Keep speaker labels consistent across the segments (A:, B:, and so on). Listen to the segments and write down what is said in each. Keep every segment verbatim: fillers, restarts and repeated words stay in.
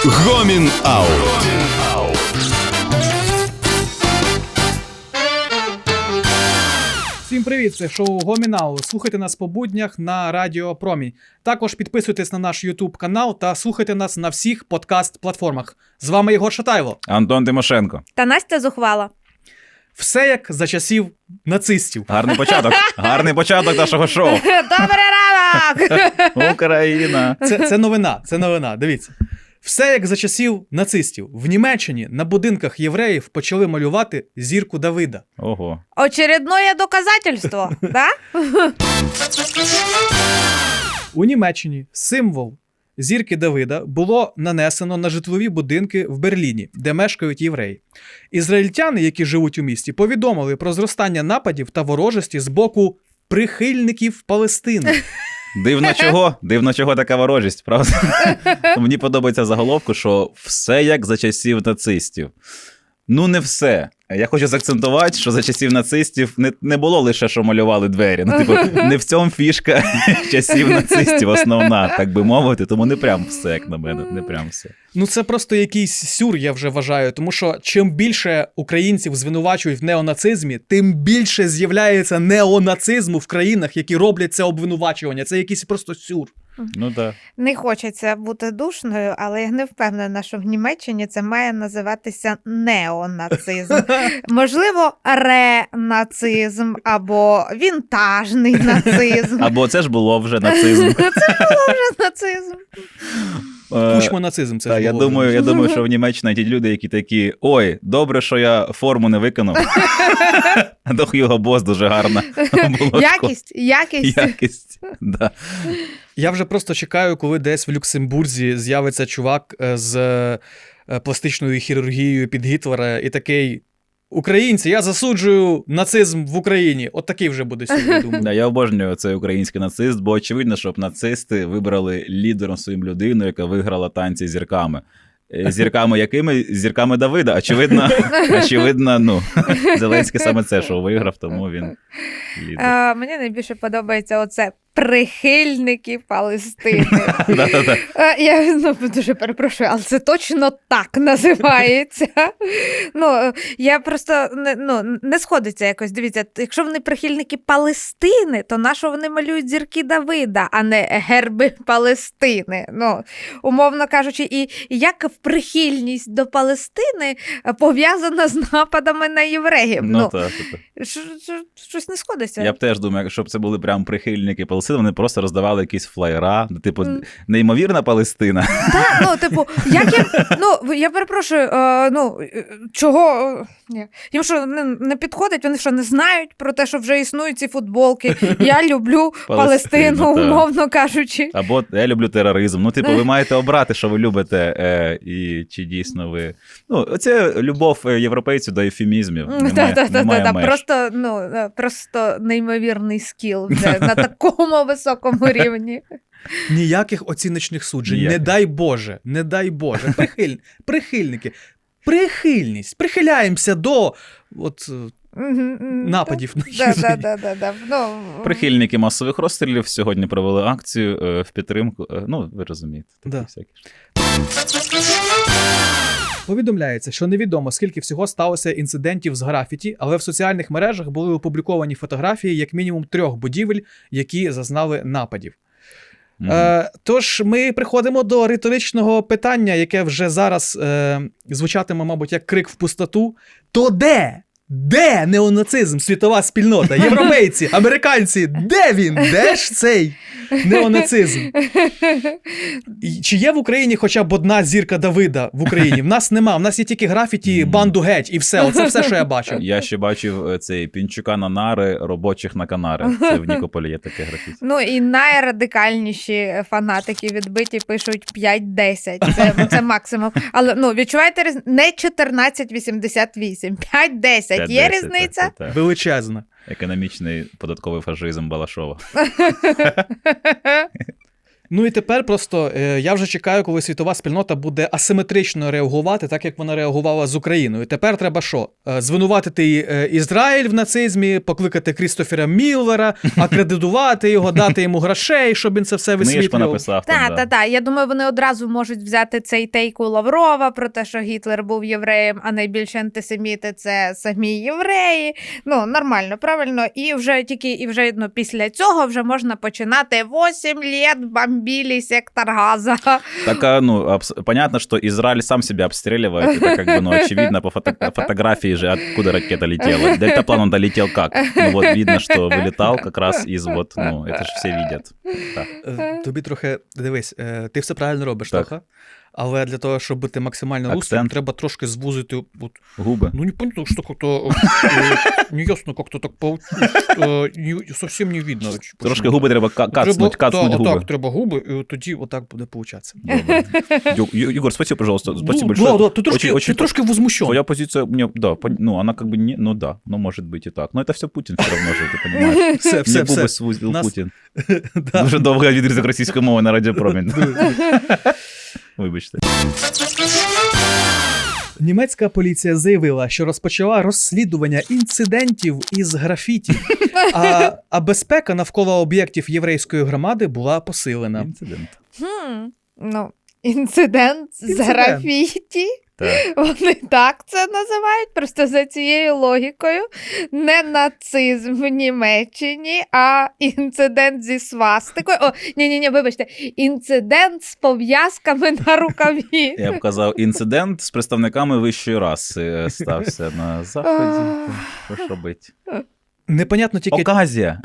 A: Гомін Аут.
B: Всім привіт, це шоу Гомін Аут. Слухайте нас по буднях на Радіо Промінь. Також підписуйтесь на наш YouTube канал та слухайте нас на всіх подкаст-платформах. З вами Єгор Шатайло.
C: Антон Тимошенко.
D: Та Настя Зухвала.
B: Все як за часів нацистів.
C: Гарний початок. Гарний початок нашого шоу.
D: Добрий ранок!
C: Україна.
B: Це, це новина, це новина, дивіться. Все як за часів нацистів. В Німеччині на будинках євреїв почали малювати зірку Давида.
C: Ого.
D: Очередное доказательство, да?
B: У Німеччині символ зірки Давида було нанесено на житлові будинки в Берліні, де мешкають євреї. Ізраїльтяни, які живуть у місті, повідомили про зростання нападів та ворожості з боку прихильників Палестини.
C: Дивно чого? Дивно чого така ворожість, правда? Мені подобається заголовку, що все як за часів нацистів. Ну, не все. Я хочу заакцентувати, що за часів нацистів не, не було лише, що малювали двері. Ну, типу, не в цьому фішка часів нацистів основна, так би мовити, тому не прям все, як на мене, не прям все.
B: Ну це просто якийсь сюр, я вже вважаю, тому що чим більше українців звинувачують в неонацизмі, тим більше з'являється неонацизму в країнах, які роблять це обвинувачування. Це якийсь просто сюр.
C: Ну так.
D: Не хочеться бути душною, але я не впевнена, що в Німеччині це має називатися неонацизм. Можливо, ренацизм або вінтажний нацизм.
C: Або це ж було вже нацизм.
D: Це було вже нацизм.
B: Кучмо-нацизм це
C: Та,
B: ж
C: я
B: було.
C: думаю, я думаю, що в Німеччині ті люди, які такі: ой, добре, що я форму не виконав. А до Хьюго Босс дуже гарна.
D: Якість, якість.
C: Якість, да.
B: Я вже просто чекаю, коли десь в Люксембурзі з'явиться чувак з пластичною хірургією під Гітлера і такий: українці, я засуджую нацизм в Україні. От такий вже буде сьогодні, думаю.
C: Да, я обожнюю цей український нацист, бо очевидно, щоб нацисти вибрали лідером своїм людину, яка виграла танці з зірками. Зірками якими? Зірками Давида. Очевидно, очевидно, ну, Зеленський саме це шоу виграв, тому він лідер.
D: А, мені найбільше подобається оце прихильники Палестини. А, я ну, дуже перепрошую, але це точно так називається. Ну, я просто не, ну, не сходиться якось. Дивіться, якщо вони прихильники Палестини, то на що вони малюють зірки Давида, а не герби Палестини? Ну, умовно кажучи, і як прихильність до Палестини пов'язана з нападами на євреїв?
C: Ну,
D: Ну,
C: так, так.
D: щось не сходиться.
C: Я б теж думаю, щоб це були прям прихильники Палестини, вони просто роздавали якісь флаєра, типу, неймовірна Палестина.
D: Так, ну, типу, як їм, ну, я перепрошую, е, ну, чого, е, ні. Їм що, не, не підходить, вони що, не знають про те, що вже існують ці футболки, я люблю Палестину,
C: Палестину,
D: умовно кажучи.
C: Або я люблю тероризм. Ну, типу, ви маєте обрати, що ви любите, е, і чи дійсно ви... Ну, оце любов європейців до ефемізмів.
D: Так-так-так, просто, ну, просто неймовірний скіл вже на такому високому рівні.
B: Ніяких оціночних суджень.
C: Ніяких.
B: Не дай Боже, не дай Боже. Прихиль... Прихильники. Прихильність. Прихиляємося до от, нападів на євреїв.
D: Да, да, да, да. Ну,
C: Прихильники масових розстрілів сьогодні провели акцію е, в підтримку. Е, ну, ви розумієте. Такі
B: Да.
C: всякі.
B: Повідомляється, що невідомо, скільки всього сталося інцидентів з графіті, але в соціальних мережах були опубліковані фотографії як мінімум трьох будівель, які зазнали нападів.
C: Мгм.
B: Е, тож ми приходимо до риторичного питання, яке вже зараз е, звучатиме, мабуть, як крик в пустоту. То де? Де неонацизм, світова спільнота, європейці, американці? Де він? Де ж цей неонацизм? І чи є в Україні хоча б одна зірка Давида в Україні? В нас нема, в нас є тільки графіті, банду геть і все. Оце все, що я бачив.
C: Я ще бачив е, цей Пінчука на нари, робочих на канари. Це в Нікополі є таке графіті.
D: Ну і найрадикальніші фанатики відбиті пишуть п'ять-десять. Це, це максимум. Але ну, відчуваєте різницю? Не чотирнадцять вісімдесят вісім, п'ять-десять. Є
C: П'ять-десять,
D: різниця?
C: так, так, так.
B: Величезна.
C: Економічний податковий фашизм Балашова.
B: Ну і тепер просто е, я вже чекаю, коли світова спільнота буде асиметрично реагувати, так як вона реагувала з Україною. Тепер треба що? Е, звинуватити е, Ізраїль в нацизмі, покликати Крістофера Міллера, акредитувати його, дати йому грошей, щоб він це все
C: Книжку
B: висвітлював.
C: написав. там,
D: Так,
C: да.
D: так, так. Я думаю, вони одразу можуть взяти цей тейк у Лаврова про те, що Гітлер був євреєм, а найбільші антисеміти – це самі євреї. Ну, нормально, правильно. І вже тільки і вже ну, після цього вже можна починати вісім літ бомбили сектор Газа.
C: Так, а, ну, абс- понятно, что Израиль сам себя обстреливает. Это как бы, ну, очевидно по фото- фотографии же, откуда ракета летела. Дельтаплан он долетел как? Ну, вот видно, что вылетал как раз из вот, ну, это же все видят. Так.
B: Е, Тобі трохи, дивись, е, ти все правильно робиш,
C: Так.
B: Тоха, але для того, щоб бути максимально русским,
C: Акцент.
B: треба трошки звузити. От,
C: Губы.
B: ну, не понятно, что как-то э, неясно, как-то так получилось, э, не- совсем не видно.
C: Трошки губи треба ка- кацнуть, кацнуть
B: та,
C: губи.
B: Отак, треба губи, і тоді отак буде получатися.
C: Добре. Ю- Ю- Егор, спасибо, пожалуйста. Спасибо
B: Ну,
C: большое.
B: да, да, ти трошки,
C: Очень- очень
B: ти трошки возмущен.
C: Твоя позиция, мне, да, пон- ну, она как бы не, ну да, ну, может быть и так. Но это все Путин все равно же, ты понимаешь.
B: Все,
C: Мне
B: все,
C: губи
B: все.
C: свузил
B: Нас-
C: Путін.
B: Да.
C: Дуже довго відрізок російської мови на радіопромінь. Вибачте.
B: Німецька поліція заявила, що розпочала розслідування інцидентів із графіті, а, а безпека навколо об'єктів єврейської громади була посилена.
C: Інцидент.
D: Хм, ну, інцидент з
B: Інцидент.
D: графіті.
C: Так.
D: Вони так це називають, просто за цією логікою. Не нацизм в Німеччині, а інцидент зі свастикою. О, ні-ні-ні, вибачте, інцидент з пов'язками на рукаві.
C: Я б казав, інцидент з представниками вищої раси стався на заході. Що ж робити?
B: Непонятно тільки,
C: Оказія.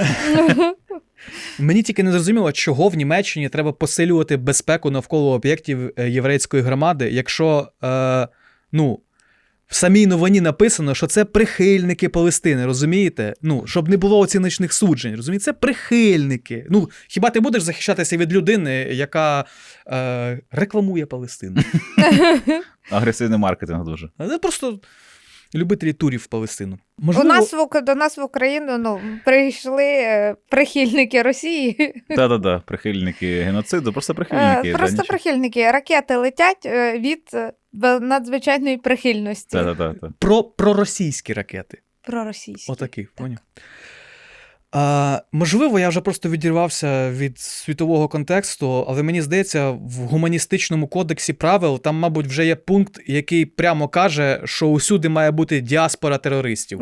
B: мені тільки не зрозуміло, чого в Німеччині треба посилювати безпеку навколо об'єктів е, єврейської громади, якщо, е, ну, в самій новині написано, що це прихильники Палестини, розумієте? Ну, щоб не було оціночних суджень, розумієте? Це прихильники. Ну, хіба ти будеш захищатися від людини, яка е, рекламує Палестину?
C: Агресивний маркетинг дуже.
B: А це просто любителі турів в Палестину.
D: У
B: Можливо,
D: нас в, Ук- до нас в Україну ну, прийшли е, прихильники Росії.
C: Та-та-та, прихильники геноциду, просто
D: Е,
C: прихильники. да,
D: Просто
C: нічого.
D: прихильники. Ракети летять е, від е, бе- надзвичайної прихильності.
C: Та-та-та.
B: про, про російські ракети.
D: Проросійські.
B: Отакий, поняв. А, можливо, я вже просто відірвався від світового контексту, але мені здається, в гуманістичному кодексі правил там, мабуть, вже є пункт, який прямо каже, що усюди має бути діаспора терористів.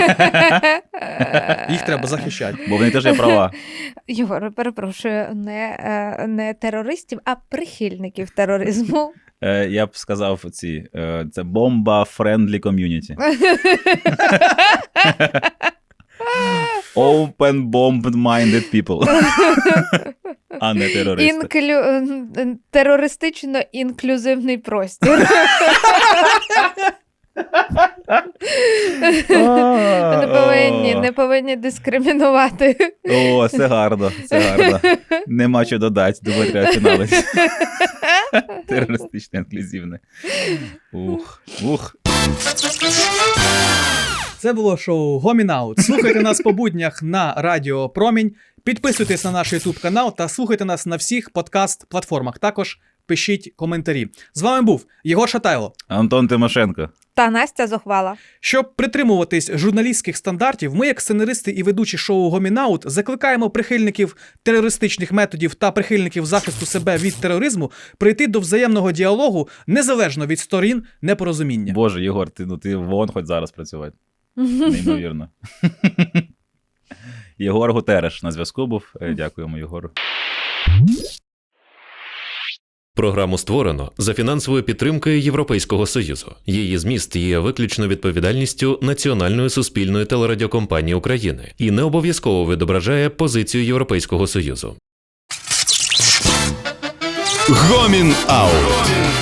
B: Їх треба захищати.
C: Бо вони теж є права.
D: Єгор, перепрошую, не, е, не терористів, а прихильників тероризму.
C: Е, Я б сказав ці, е, це бомба-френдлі ком'юніті. Open-bombed-minded people. А не терористи.
D: Інклю... е, Терористично-інклюзивний простір. Не повинні, не повинні дискримінувати.
C: О, це гарно, це гарно. Нема що додати, думаю, треба фіналити. Терористичне, інклюзивне. Ух, ух.
B: Це було шоу Гомін Аут. Слухайте нас по буднях на Радіо Промінь. Підписуйтесь на наш YouTube канал та слухайте нас на всіх подкаст-платформах. Також пишіть коментарі. З вами був Єгор Шатайло.
C: Антон Тимошенко.
D: Та Настя зухвала.
B: Щоб притримуватись журналістських стандартів, ми, як сценаристи і ведучі шоу Гомін Аут, закликаємо прихильників терористичних методів та прихильників захисту себе від тероризму прийти до взаємного діалогу незалежно від сторін непорозуміння.
C: Боже, Єгор, ти, ну, ти вон хоч зараз працювати. Неймовірно. Єгор Гутереш на зв'язку був. Е, Дякуємо, Єгору.
A: Програму створено за фінансовою підтримкою Європейського Союзу. Її зміст є виключно відповідальністю Національної суспільної телерадіокомпанії України і не обов'язково відображає позицію Європейського Союзу.
E: Гомін Аут.